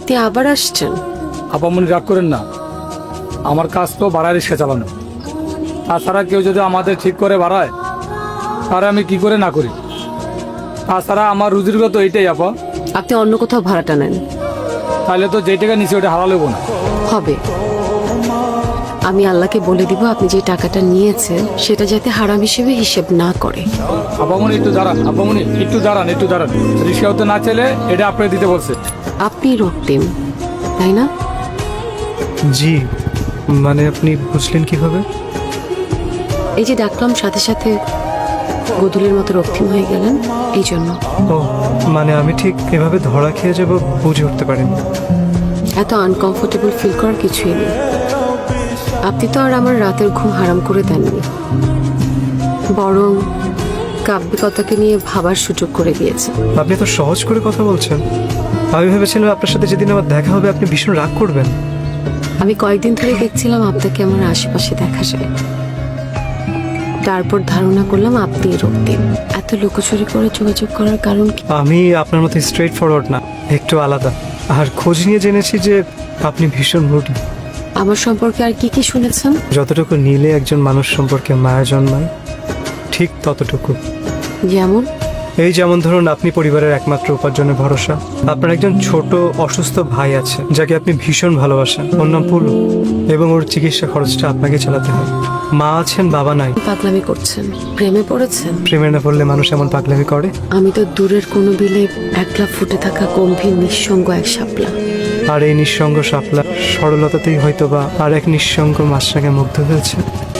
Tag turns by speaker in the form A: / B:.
A: আপনি আবার আসছেন?
B: আপামনি রাগ করেন না, আমার কাজ তো ভাড়ায় রিক্সা চালানো। তাছাড়া কেউ যদি আমাদের ঠিক করে বাড়ায় তাহলে আমি কি করে না করি। তাছাড়া আমার রুজির তো এইটাই আপা।
A: আপনি অন্য কোথাও ভাড়াটা নেন।
B: তাহলে তো যে টাকা নিচে ওটা হারা লেবো না।
A: হবে, আমি আল্লাহকে বলে দিব আপনি যে টাকাটা নিয়েছেন সেটা যাতে হারাম হিসেবে হিসেব না করে।
B: আপামনি একটু দাঁড়ান, আপামনি একটু দাঁড়ান, একটু দাঁড়ান। রিক্সা হতে না চাইলে এটা আপনাকে দিতে বলছে।
A: আপনি রক্তিম, তাই না?
C: জি, মানে আপনি বুঝলেন কিভাবে?
A: এই যে ডাকলাম সাথে সাথে গদুলের মতো রক্তিম হয়ে গেলেন, এই জন্য।
C: ও মানে আমি ঠিক এভাবে ধরা খেয়ে যাব বুঝে উঠতে পারিনি।
A: এত আনকমফোর্টেবল ফিল করার কিছুই নেই। আপনি তো আর আমার রাতের ঘুম হারাম করে দেননি, বরং কাব্যিকতাকে নিয়ে ভাবার সুযোগ করে দিয়েছেন।
C: আপনি তো সহজ করে কথা বলছেন। আমি ভেবেছিলাম আপনার সাথে যেদিন আমার দেখা হবে আপনি ভীষণ রাগ করবেন।
A: আমি কয়েকদিন ধরে দেখছিলাম আপনাকে আমার আশেপাশে দেখা যায়, তারপর ধারণা করলাম আপনি রক্তিম। এত লুকোচুরি করে যোগাযোগ করার কারণ কি?
C: আমি আপনার মতো স্ট্রেট ফরওয়ার্ড না, একটু আলাদা। আর খোঁজ নিয়ে জেনেছি যে আপনি ভীষণ রুটি।
A: আমার সম্পর্কে আর কি কি শুনেছেন?
C: যতটুকু নিলে একজন মানুষ সম্পর্কে মায়া জন্মায় ঠিক ততটুকু।
A: যেমন?
C: এই যেমন ধরুন আপনি পরিবারের একমাত্র উপার্জনের ভরসা। আপনার একজন ছোট অসুস্থ ভাই আছে যাকে আপনি ভীষণ ভালোবাসেন, ওর নাম পুলু, এবং ওর চিকিৎসা খরচটা আপনাকে চালাতে হয়। মা আছেন, বাবা নাই।
A: পাগলামি করছেন? প্রেমে পড়েছেন?
C: প্রেমে না পড়লে মানুষ এমন পাগলামি করে?
A: আমি তো দূরের কোনো বিলে একলা ফুটে থাকা গম্ভীর নিঃসঙ্গ এক শাপলা।
C: আর এই নিঃসঙ্গ শাপলা সরলতাতেই হয়তো বা আর এক নিঃসঙ্গ মাছরাঙে মুগ্ধ হয়েছে।